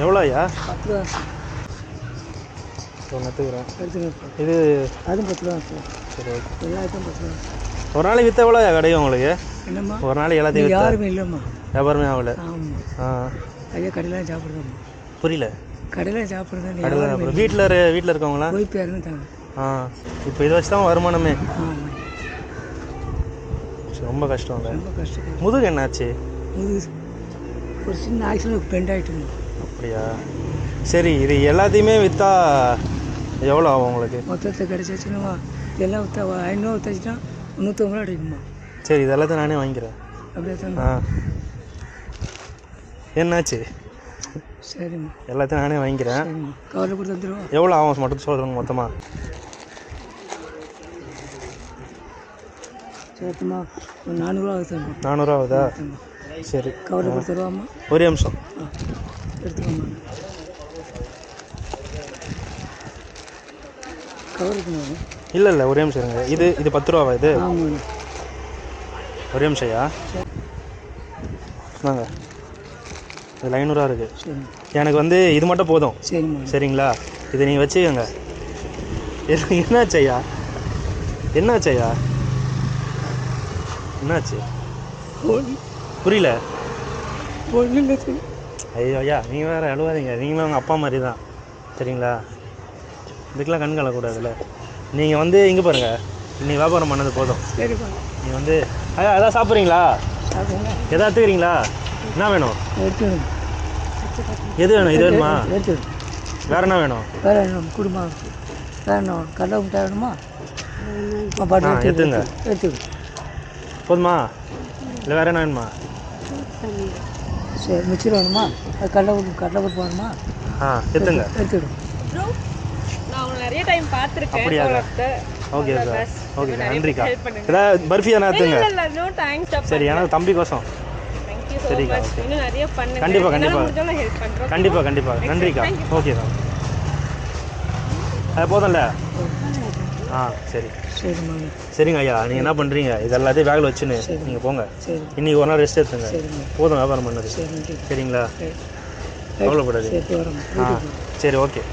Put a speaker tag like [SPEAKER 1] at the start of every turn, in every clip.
[SPEAKER 1] எவ்வளோ ஐயா?
[SPEAKER 2] 10 ரூபா
[SPEAKER 1] ஒன்றுத்துக்குறேன்.
[SPEAKER 2] எடுத்துக்கிறேன்.
[SPEAKER 1] இது
[SPEAKER 2] அதுவும் 10 ரூபா சார்.
[SPEAKER 1] சரி ஓகே.
[SPEAKER 2] எல்லா ஐட்டம் 10 ரூபா.
[SPEAKER 1] ஒரு நாளைக்கு விற்ற எவ்வளோ கிடைக்கும் உங்களுக்கு?
[SPEAKER 2] என்னம்மா
[SPEAKER 1] ஒரு நாளைக்கு எல்லாத்தையும்
[SPEAKER 2] யாருமே இல்லைம்மா.
[SPEAKER 1] வியாபாரமே ஆகல.
[SPEAKER 2] ஆமாம். ஐயா கடையில் சாப்பிடுதாம்மா.
[SPEAKER 1] புரியல.
[SPEAKER 2] கடையில் சாப்பிடுதான்.
[SPEAKER 1] கடையில் சாப்பிட்றேன். வீட்டில் இருக்கவங்களா?
[SPEAKER 2] போய் பேருந்தாங்க.
[SPEAKER 1] இப்போ இதை வச்சு தான் வருமானமே.
[SPEAKER 2] ஆமாம்.
[SPEAKER 1] ரொம்ப கஷ்டம் இல்லை?
[SPEAKER 2] ரொம்ப கஷ்டம்.
[SPEAKER 1] முதுகு என்னாச்சு?
[SPEAKER 2] முதுகு ஒரு சின்ன ஆக்சிடென்ட் பெண்ட் ஆகிட்டுமா.
[SPEAKER 1] அப்படியா? சரி, இது எல்லாத்தையுமே விற்றா எவ்வளோ ஆகும் உங்களுக்கு?
[SPEAKER 2] மொத்தத்தை கிடச்சிச்சுன்னா எல்லாம் விற்றா 500 விற்றாச்சுன்னா 350 ரூபா கிடைக்குமா.
[SPEAKER 1] சரி, இது எல்லாத்தையும் நானே வாங்கிக்கிறேன்.
[SPEAKER 2] அப்படியே தான்.
[SPEAKER 1] என்னாச்சு?
[SPEAKER 2] சரிம்மா,
[SPEAKER 1] எல்லாத்தையும் நானே வாங்கிக்கிறேன்.
[SPEAKER 2] சரிம்மா, கவலை கொடுத்து வந்துடுவோம்.
[SPEAKER 1] எவ்வளோ ஆகும் மட்டும் சொல்கிறேங்க மொத்தமாக?
[SPEAKER 2] சேர்த்துமா ஒரு 400 ரூபா ஆகுது.
[SPEAKER 1] 400 ஆகுதா? சரி,
[SPEAKER 2] கவலை கொடுத்துருவாம்மா.
[SPEAKER 1] ஒரே நிமிஷம்
[SPEAKER 2] எடுத்துக்கோம்மா. கவர் இருக்குமா?
[SPEAKER 1] இல்லை ஒரே நிமிஷம் இருங்க. இது 10 ரூபாவா இது?
[SPEAKER 2] ஆமாம்.
[SPEAKER 1] ஒரே நிமிஷம்யா. நாங்க இதில் 500 இருக்குது. எனக்கு வந்து இது மட்டும் போதும்.
[SPEAKER 2] சரிம்மா.
[SPEAKER 1] சரிங்களா? இதை நீங்கள் வச்சுக்கோங்க. என்னாச்சையா? என்னாச்சையா? என்னாச்சு? புரியல. ஐயோ ஐயா, நீங்கள் வேறு அழுவாதீங்க. நீங்களும் உங்கள் அப்பா மாதிரி தான். சரிங்களா? இதுக்கெலாம் கண் கலக்கூடாதுல்ல. நீங்கள் வந்து இங்கே பாருங்கள், இன்றைக்கி வியாபாரம் பண்ணது போதும்.
[SPEAKER 2] சரிப்பா.
[SPEAKER 1] நீங்கள் வந்து ஐயா எதாவது சாப்பிட்றீங்களா? எதாவது எடுத்துக்கிறீங்களா? என்ன வேணும்? எது வேணும்? இது வேணுமா? வேறு என்ன வேணும்?
[SPEAKER 2] வேறு வேணும் குடும்பம். வேறு என்ன கடலை முட்டை வேணுமா?
[SPEAKER 1] எடுத்துங்க.
[SPEAKER 2] எடுத்துக்க
[SPEAKER 1] போதுமா? இல்லை வேறு என்ன வேணுமா?
[SPEAKER 2] சரி, மிச்சர் வேணுமா? அது கடலை பருப்பு வேணுமா?
[SPEAKER 1] எடுத்துங்க.
[SPEAKER 2] எடுத்துக்கிடும்.
[SPEAKER 3] நிறைய டைம் பார்த்துருக்கேன்.
[SPEAKER 1] அப்படியா? Okay sir. ஓகே சார், நன்றிக்கா. ஏதாவது பர்ஃபி தானே எடுத்துங்க. சரி, எனக்கு தம்பி கோசம். சரிக்கா. கண்டிப்பாக கண்டிப்பாக நன்றிக்கா. ஓகே தான். அது போதும்ல? சரி சரிங்க ஐயா. நீங்கள் என்ன பண்ணுறீங்க? இது எல்லாத்தையும் பேக்கில் வச்சுன்னு நீங்கள் போங்க. இன்றைக்கி ஒரு நாள் ரெஸ்ட் எடுத்துங்க. போதும் வியாபாரம் பண்ணது. சரிங்களா? கவலைப்படாது. சரி ஓகே.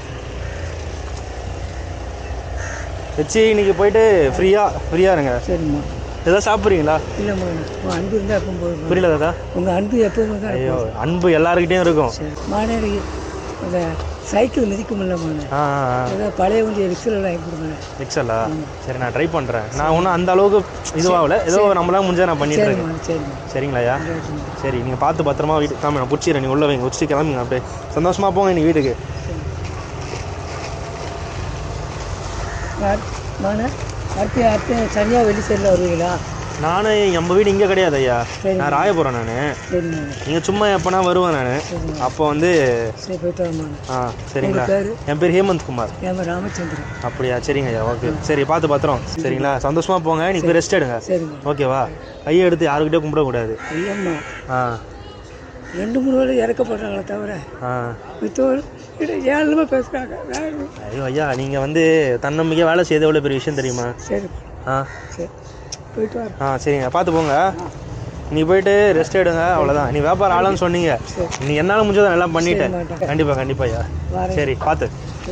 [SPEAKER 1] வச்சு இன்றைக்கி போயிட்டு ஃப்ரீயாக இருங்க.
[SPEAKER 2] சரிம்மா.
[SPEAKER 1] எதாவது சாப்பிட்றீங்களா?
[SPEAKER 2] இல்லைம்மா, உங்கள் அன்பு இருந்தால் எப்போ போதும்.
[SPEAKER 1] புரியல தாதா?
[SPEAKER 2] உங்கள் அன்பு எப்போதுமே தான்.
[SPEAKER 1] ஐயோ, அன்பு எல்லாருக்கிட்டையும் இருக்கும்.
[SPEAKER 2] மாநேரி அந்த சைக்கிள் மிதிக்க முடியலம்மா. ஏதாவது பழைய வண்டி ரிக்ஸெல்லாம் வாங்கி கொடுங்க.
[SPEAKER 1] ரிக்ஸலா? சரி, நான் ட்ரை பண்ணுறேன். நான் ஒன்றும் அந்த அளவுக்கு இதுவாகல. ஏதோ நம்மளாம் முடிஞ்சால் நான் பண்ணிட்டு இருக்கேன். சரிங்களா ஐயா? சரி, நீங்கள் பார்த்து பத்திரமா வீட்டுக்கு கிளம்பி. நான் பிடிச்சிடுறேன். நீங்கள் உள்ள வைங்க, வச்சுட்டு கிளம்புங்க. அப்படியே சந்தோஷமாக போங்க நீங்கள் வீட்டுக்கு.
[SPEAKER 2] அடுத்து சனியாக வெள்ளி சைடில் வருவீங்களா?
[SPEAKER 1] நானும் நம்ம வீடு இங்கே கிடையாது ஐயா. நான் ராயபுரம். நான் நீங்கள் சும்மா எப்போனா வருவேன் நான். அப்போ வந்து
[SPEAKER 2] சரி, போய்ட்டு வாமா.
[SPEAKER 1] சரிங்களா? என் பேர் ஹேமந்த் குமார்.
[SPEAKER 2] என் பேர் ராமச்சந்திரன்.
[SPEAKER 1] அப்படியா? சரிங்க ஐயா. ஓகே. சரி, பார்த்து பத்திரம். சரிங்களா? சந்தோஷமாக போங்க. நீங்கள் ரெஸ்ட் எடுங்க. ஓகேவா? கையை எடுத்து யாருக்கிட்டே கும்பிடக்கூடாது.
[SPEAKER 2] ஐயம்மா 2-3 வேலை இறக்கப்படுறாங்களே தவிர மித்தவர்கள் 7 பேசுகிறாங்க.
[SPEAKER 1] ஐயோ ஐயா, நீங்கள் வந்து தன்னம்பிக்கையாக வேலை செய்த எவ்வளோ பெரிய விஷயம் தெரியுமா?
[SPEAKER 2] சரி. சரி, போயிட்டு வா.
[SPEAKER 1] சரிங்க, பார்த்து போங்க. நீ போயிட்டு ரெஸ்ட் எடுங்க. அவ்வளோதான். நீ வியாபாரம் ஆளுன்னு சொன்னீங்க. நீ என்னால் முடிஞ்சதை எல்லாம் பண்ணிட்டேன். கண்டிப்பாக ஐயா. சரி, பார்த்து.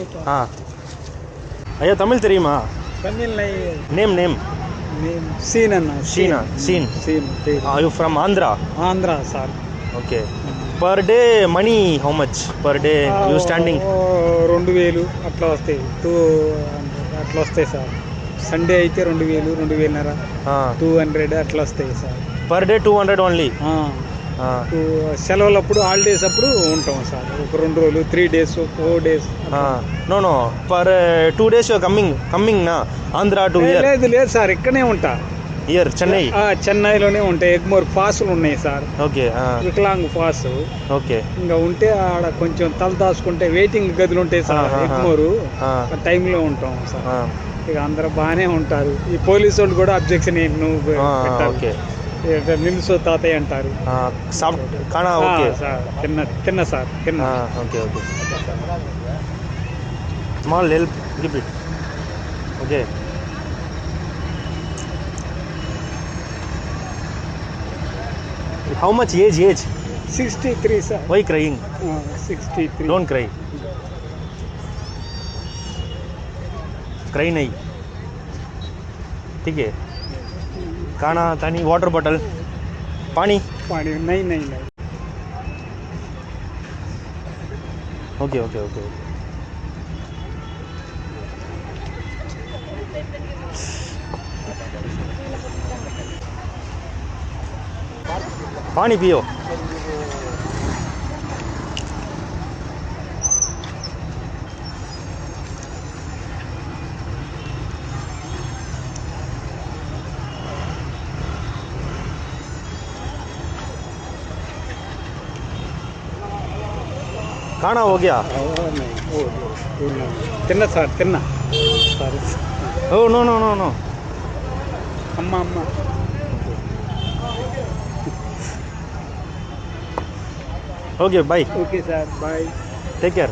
[SPEAKER 1] ஐயா, தமிழ் தெரியுமா?
[SPEAKER 2] Tamil
[SPEAKER 1] name scene. Are you from Andhra?
[SPEAKER 2] Andhra, sir.
[SPEAKER 1] Okay. Per day money how much? Per day you standing?
[SPEAKER 2] 2000 అట్లా వస్తాయి. 200 అట్లా వస్తాయి సార్. సండే అయితే 2000, 2000 200 అట్లా వస్తాయి సార్.
[SPEAKER 1] Per day 200 only?
[SPEAKER 2] సెలవులప్పుడు హాలిడేస్ అప్పుడు ఉంటాం సార్. ఒక 2 రోజులు, 3 days, 4 days.
[SPEAKER 1] No. Per 2 days you are coming na Andhra to here?
[SPEAKER 2] లేదు సార్, ఇక్కడనే ఉంటా.
[SPEAKER 1] ఇయర్
[SPEAKER 2] చెన్నైలోనే ఉంటాయి. ఎగ్మోర్ పాసులు ఉన్నాయి సార్.
[SPEAKER 1] ఓకే.
[SPEAKER 2] వికలాంగ్ పాస్.
[SPEAKER 1] ఓకే.
[SPEAKER 2] ఇంకా ఉంటే ఆడ కొంచెం తల దాచుకుంటే వెయిటింగ్ గదులు ఉంటాయి సార్. ఎగ్మోరు టైంలో ఉంటాం సార్. ఇక అందరూ బాగానే ఉంటారు. ఈ పోలీసు వాళ్ళు కూడా అబ్జెక్షన్ ఏంటి నువ్వు పెట్టాలి, నిలుసు తాతయ్య అంటారు. తిన్న sir.
[SPEAKER 1] Okay. Small help give it. Okay. How much age?
[SPEAKER 2] 63 sir.
[SPEAKER 1] Why crying?
[SPEAKER 2] 63.
[SPEAKER 1] Don't cry. Cry नहीं. ठीक है. खाना, पानी, वाटर बॉटल, पानी.
[SPEAKER 2] पानी नहीं.
[SPEAKER 1] Okay. पानी पियो. खाना हो गया.
[SPEAKER 2] తిన్నా సార్ తిన్నా సారీ
[SPEAKER 1] Oh no.
[SPEAKER 2] అమ్మ
[SPEAKER 1] Okay, bye.
[SPEAKER 2] Okay sir bye.
[SPEAKER 1] Take care.